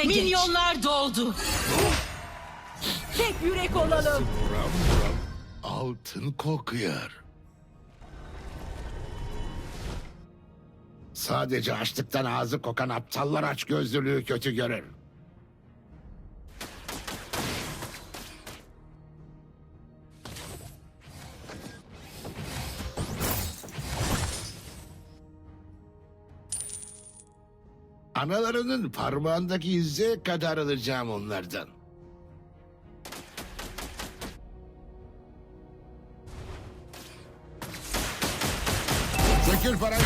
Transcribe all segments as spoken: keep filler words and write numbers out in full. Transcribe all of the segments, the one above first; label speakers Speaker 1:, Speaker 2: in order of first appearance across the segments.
Speaker 1: Harekete geç.
Speaker 2: Milyonlar doldu.
Speaker 1: Tek yürek olalım.
Speaker 3: Buram buram altın kokuyor. Sadece açlıktan ağzı kokan aptallar açgözlülüğü kötü görür. Analarının parmağındaki yüzeye kadar alacağım onlardan. Sökül parayı.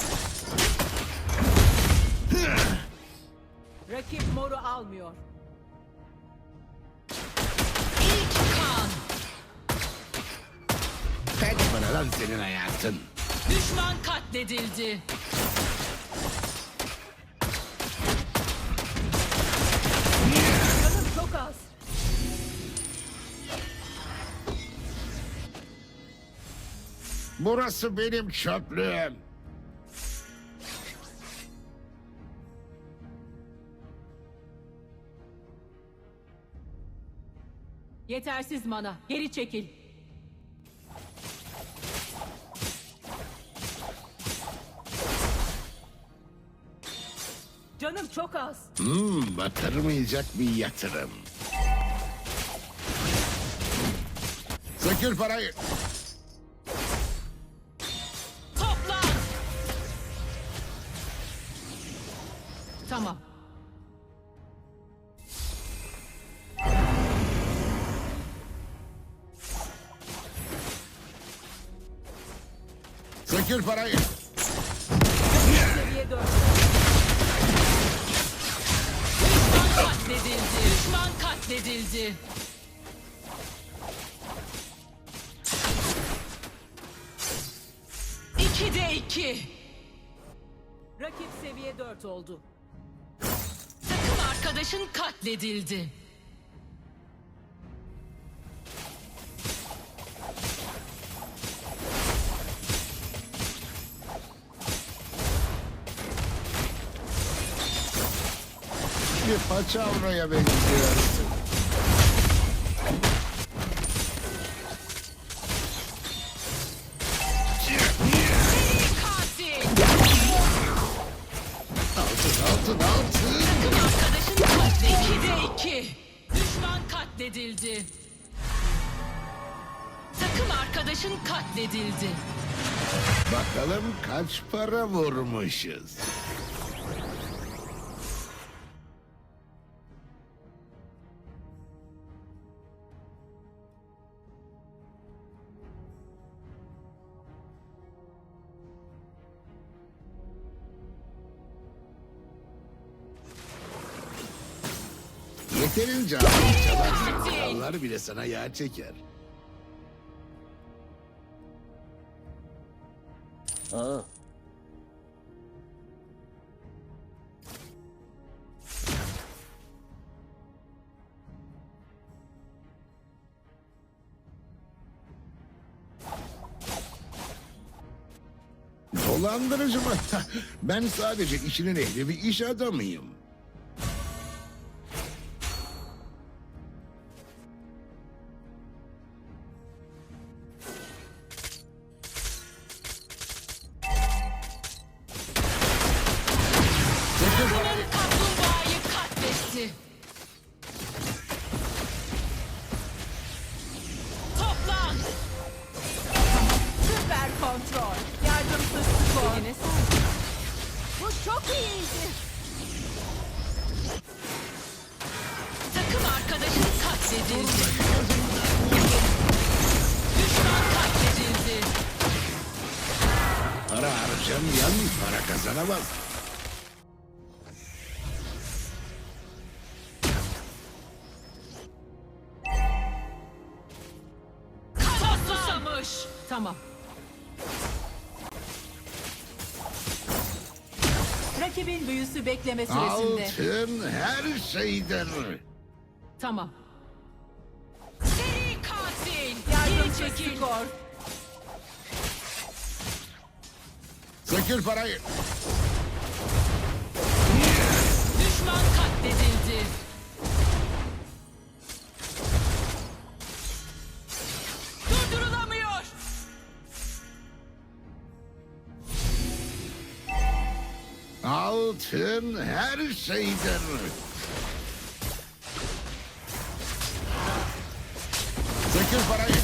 Speaker 1: Rakip moru almıyor.
Speaker 2: İlk kan.
Speaker 3: Kaç para lan senin hayatın?
Speaker 2: Düşman katledildi.
Speaker 1: Canım çok az.
Speaker 3: Burası benim çöplüğüm.
Speaker 1: Yetersiz mana. Geri çekil. Canım çok az.
Speaker 3: Hmm, batırmayacak bir yatırım. Sökül parayı.
Speaker 2: Toplan.
Speaker 1: Tamam.
Speaker 3: Sökül parayı.
Speaker 1: Seviye dört.
Speaker 2: Düşman katledildi. Düşman katledildi. İkide iki.
Speaker 1: Rakip seviye dört oldu.
Speaker 2: Takım arkadaşın katledildi.
Speaker 3: Bir paçavraya benziyorsun.
Speaker 2: Katil.
Speaker 3: Altın altın altın.
Speaker 2: Takım arkadaşın katledildi. İkide iki. Düşman katledildi. Takım arkadaşın katledildi.
Speaker 3: Bakalım kaç para vurmuşuz. Yeterince ağır çalarsan krallar bile sana yağ çeker.
Speaker 4: Ha.
Speaker 3: Dolandırıcı mı? Ben sadece işinin ehli bir iş adamıyım.
Speaker 2: Takımın kaplumbağayı katletti. Toplan.
Speaker 1: Süper kontrol. Yardımsız skor. Bu çok iyiydi.
Speaker 2: Takım arkadaşın katledildi. Düşman katledildi.
Speaker 3: Para harcamayan para kazanamaz.
Speaker 2: Kan susamış.
Speaker 1: Tamam. Rakibin büyüsü bekleme süresinde.
Speaker 3: Altın her şeydir.
Speaker 1: Tamam.
Speaker 2: Seri katil. Geri
Speaker 1: Yardımsız
Speaker 2: çekil.
Speaker 1: skor.
Speaker 3: Sökül parayı.
Speaker 2: Düşman katledildi.
Speaker 3: altın her şeydir. Sökül parayı.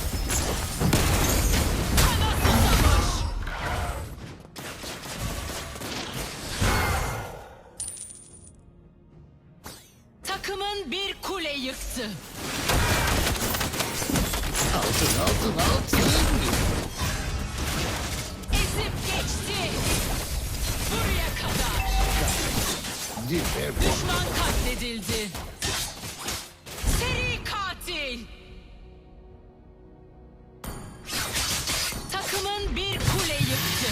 Speaker 2: Takımın bir kule yıktı.
Speaker 3: Altın, altın, altın.
Speaker 2: Ezip geçti. Buraya kadar.
Speaker 3: Dibe bu.
Speaker 2: Düşman katledildi. Seri katil. Takımın bir kule yıktı.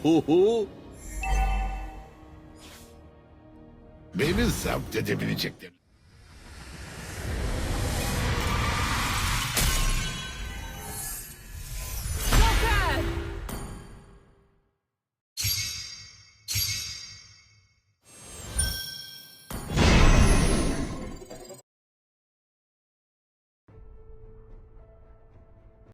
Speaker 3: Beni zapt edebilecekler.